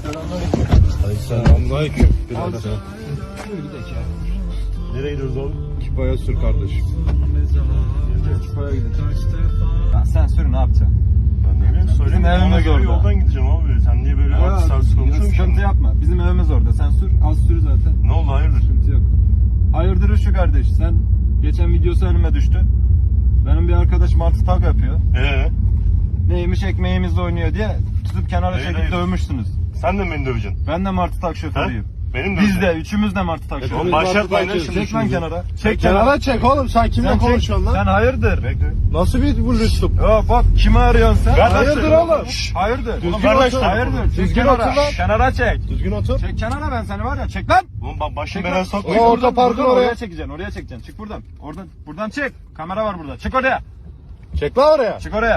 Selamünaleyküm. Birader. Buyur gidelim ya. Nereye gidiyoruz oğlum? Kipaya sür kardeşim. Kipaya gidelim. Ya sen sür ne yapacaksın? Ben ne bileyim söyleyeyim. Bizim evimiz orada. Yoldan gideceğim abi. Sen niye böyle artist artist konuşuyorsun ki? Sıkıntı yapma. Bizim evimiz orada. Sen sür. Az sür zaten. Ne oldu hayırdır? Sıkıntı yok. Hayırdır şu kardeş. Sen geçen videosu önüme düştü. Benim bir arkadaş martı tag yapıyor. Neymiş ekmeğimizle oynuyor diye tutup kenara çekip dövmüşsünüz. Sen de mi beni döveceksin? Ben de martı tag şoförüyüm. Benim de Biz de üçümüz de martı tag şoförüyüz. Başlatmayın lan şimdi. Çek lan kenara. Çek kenara çek oğlum, sen kimle Sen konuşuyorsun lan? Sen hayırdır? Bekle. Nasıl bir bu lütuf? Ya bak kimi arıyorsun sen? Hayırdır oğlum? Hayırdır? Düzgün kardeş, otur. Hayırdır? Çek Düzgün kenara. otur lan. Kenara çek. Düzgün otur. Çek kenara ben seni var ya. Çek lan. Oğlum bak başım Çek belaya lan. sokma. O orta parkın Buradan oraya. çekeceksin. Oraya çekeceksin. Çık buradan. Buradan çek. Kamera var burada. Çık oraya. Çek lan oraya. Çık oraya.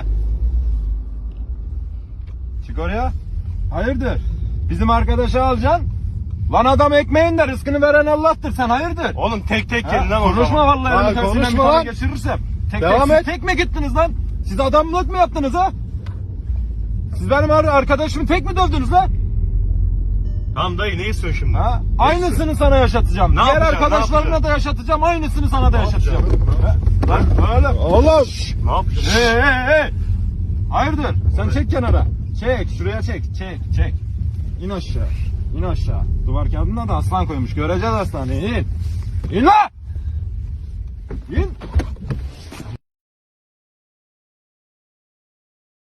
Çık oraya. Hayırdır? Bizim arkadaşı alacaksın. Lan adam ekmeğin de rızkını veren Allah'tır. Sen hayırdır? Oğlum tek tek Ha? gelin lan o Konuşma zaman. vallahi. Ha, Elini tersinden konuşma bir tane lan. geçirirsem. Devam siz et. tek mi gittiniz lan? Siz adamlık mı yaptınız ha? Siz benim arkadaşımı tek mi dövdünüz lan? Tamam dayı ne istiyorsun şimdi? Ha? Ne Aynısını sana yaşatacağım. Ne Diğer yapacaksın, ne arkadaşlarına yapacaksın? da yaşatacağım. Aynısını sana da yaşatacağım. yapacaksın? Lan öyle. Oğlum. Ne yapacaksın? Hey. Hayırdır? Sen çek kenara. Çek. Şuraya çek. Çek. İn aşağı. İn aşağı. Duvar kağıdına da aslan koymuş. Göreceğiz aslanı. İn. İn lan! İn.